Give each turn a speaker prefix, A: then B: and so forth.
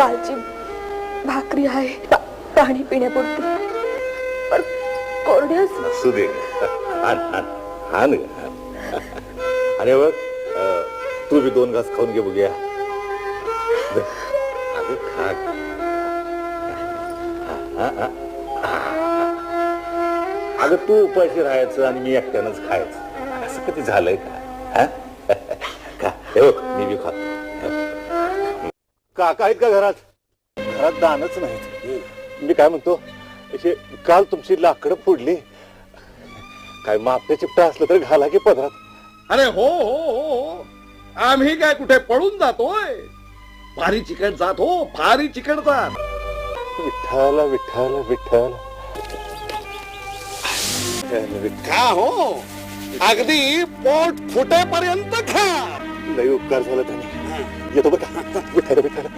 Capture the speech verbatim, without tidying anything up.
A: कालची भाकरी आहे पा, पाणी पिण्यापुरती पण कोरड्यास
B: असू दे आण आण आण ग. आणि बघ अं, तू बी दोन घास खाऊन घे बघूया. अगं खा. हा, हा, हा. अगं तू उपाशी राहायचं आणि मी एकट्यानंच खायचं असं कधी झालंय का? हा? का हे बघ मी बी खातो. काका आहेत का घरात? घरात दानच नाहीत. मी काय म्हणतो असे काल तुमची लाकडं फोडली काय मापट्या चिपटा असलं तर घाला की पदरात.
C: अरे हो हो हो हो आम्ही काय कुठे पळून जातोय? फारी चिकट जात हो फारी चिकट जात.
B: विठ्ठल विठ्ठल विठ्ठल
C: खा हो अगदी पोट फुटेपर्यंत खा.
B: लई उपकार झाला त्याने. येतो बघा विठ्ठल विठ्ठल.